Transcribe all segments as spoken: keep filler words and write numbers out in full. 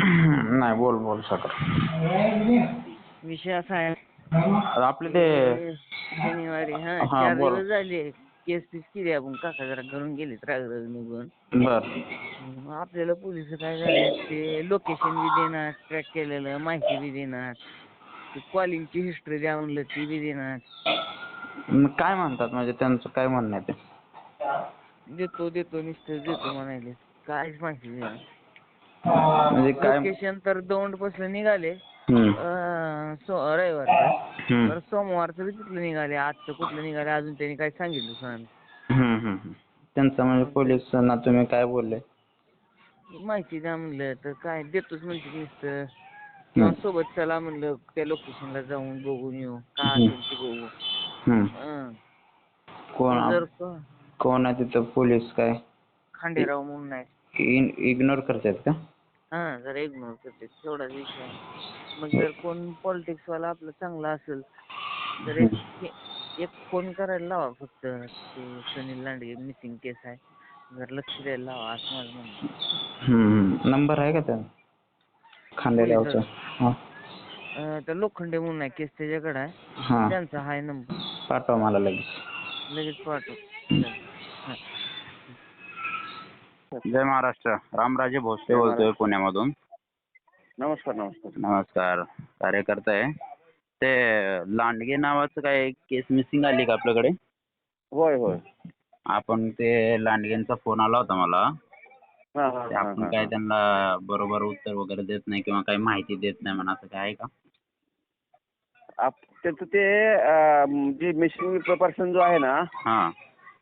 नाही बोल बोल सकर. विषय असा आहे आपले ते की शनिवारी हा हा चार बोल. दिवस झाले केस पीस केली आपण काका जरा घरून गेले राग राग निघून. बर मग आपल्याला पोलिस काय झाले ते लोकेशन बी देणार ट्रॅक केलेलं माहिती बी देणार ते कॉलिंगची हिस्ट्री द्या म्हणलं ती बी देणार. मग काय म्हणतात म्हणजे त्यांचं काय म्हणणं आहे ते? देतो देतो नुसतं देतो म्हणाले काहीच माहिती देणार. म्हणजे काय? लोकेशन तर दौंड पासून निघाले हम्म. अं, सो रविवारचं हम्म. तर सोमवारचं बी तिथलं निघाले आजचं कुठलं निघाले अजून त्यांनी काही सांगितलं नाही. हम्म, हम्म, हम्म. त्यांचं म्हणजे पोलिसांना तुम्ही काय बोलले? माहिती द्या म्हणलं तर काय देतोच म्हणते नुसतं. हम्म. सोबत चला म्हणलं त्या लोकेशनला जाऊन बघून येऊ काय हम्म. असेल ते बघू. हम्म. हं. कोण जर कोण आहे तिथं पोलीस काय खांडेराव म्हणून आहे. इग्नोर करतात का? हा जरा इग्नोर करते तेवढाच विषय आहे. मग जर कोण पॉलिटिक्स वाला आपलं चांगला असेल तर एक एक फोन करायला लावा फक्त ते सुनील लांडगे मिसिंग केस आहे जर लक्ष द्यायला लावा असं माझं म्हणणं आहे. हम्म. नंबर आहे का त्या खांडेरावचा? हा. तर लोखंडे म्हणून आहे केस त्याच्याकडे आहे. हा त्यांचा हाय नंबर पाठवा मला लगेच. लगेच पाठव. जय महाराष्ट्र. रामराजे भोसले बोलतोय पुण्यामधून. नमस्कार नमस्कार नमस्कार. कार्यकर्ता आहे ते लांडगे नावाचं काय केस मिसिंग आली का आपल्याकडे? होय होय. आपण ते लांडगेंचा फोन आला होता मला. हा हा ते हा आपण हा काय हा. त्यांना बरोबर उत्तर वगैरे देत नाही किंवा काही माहिती देत नाही म्हणा असं काय आहे का? आप- त्याचं ते अं, जे मिसिंग पर्सन जो आहे ना हां.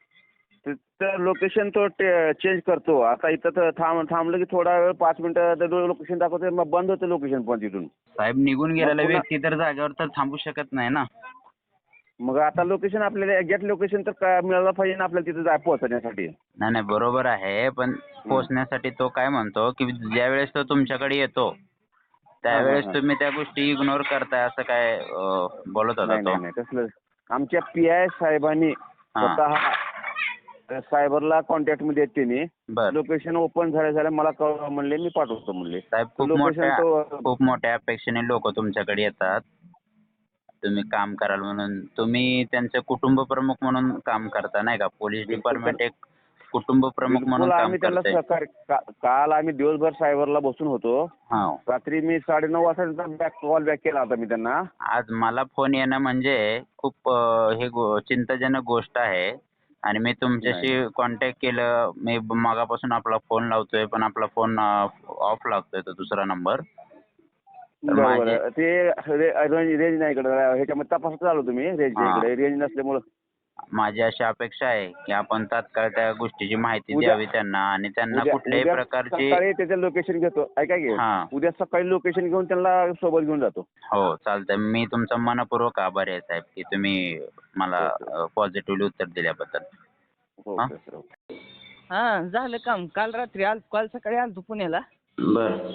तर लोकेशन तो चेंज करतो. आता इथं तर थांब थांबलं की थोडा वेळ पाच मिनिटं लोकेशन दाखवते मग बंद होते लोकेशन पण तिथून. साहेब निघून गेलेला पुन्हा- व्यक्ती तर जागेवर तर थांबू शकत नाही ना. मग आता लोकेशन आपल्याला एक्झॅक्ट लोकेशन तर काय मिळालं पाहिजे ना आपल्याला तिथे जाय पोहोचण्यासाठी. नाही नाही बरोबर आहे पण पोहोचण्यासाठी तो काय म्हणतो की ज्या वेळेस तो तुमच्याकडे येतो हा हा त्यावेळेस हा. तुम्ही त्या गोष्टी इग्नोर करताय असं काय अं, बोलत होता नाही तो. नाही नाही तसलं आमच्या पी आय साहेबांनी हां. स्वतः सायबरला कॉन्टॅक्ट मध्ये आहेत त्यांनी. बर लोकेशन ओपन झाल्या झाल्या मला कळवा म्हणले मी पाठवतो म्हणले. साहेब खूप लोकेशन मोठ्या तो खूप मोठ्या अपेक्षेने लोक तुमच्याकडे येतात तुम्ही काम कराल म्हणून. तुम्ही त्यांचे कुटुंब प्रमुख म्हणून काम करता नाही का? पोलीस बिलकुल डिपार्टमेंट एक कुटुंब प्रमुख म्हणून बिलकुल काम आम्ही त्यांना करते. सहकार्य का- काल आम्ही दिवसभर सायबरला बसून होतो. हा. रात्री मी साडेनऊ वाजता बॅक कॉल बॅक केला होता मी त्यांना. आज मला फोन येणं म्हणजे खूप अं, हे गो- चिंताजनक गोष्ट आहे आणि मी तुमच्याशी नाही. कॉन्टॅक्ट केलं. मी मगापासून आपला फोन लावतोय पण आपला फोन ऑफ लागतोय तो दुसरा नंबर. तर बरोबर माझी आहे. ते रेंज रेंज नाही इकडे ह्याच्यामध्ये तपासत आलो तुम्ही रेंज हा. इकडे रेंज नसल्यामुळं. माझी अशी अपेक्षा आहे की आपण तात्काळ त्या गोष्टीची माहिती उद्या द्यावी त्यांना आणि त्यांना उद्या कुठल्याही उद्या प्रकारची. सकाळी त्याचं लोकेशन घेतो. ऐका की हा. उद्या सकाळी लोकेशन घेऊन त्यांना सोबत घेऊन जातो. हो चालतंय. मी तुमचा मनपूर्वक आभारी आहे साहेब की तुम्ही मला ओके पॉझिटिव्हली उत्तर दिल्याबद्दल. हा. Okay sir okay. हा झालं काम काल रात्री आल काल सकाळी आलतो पुण्याला. बरं.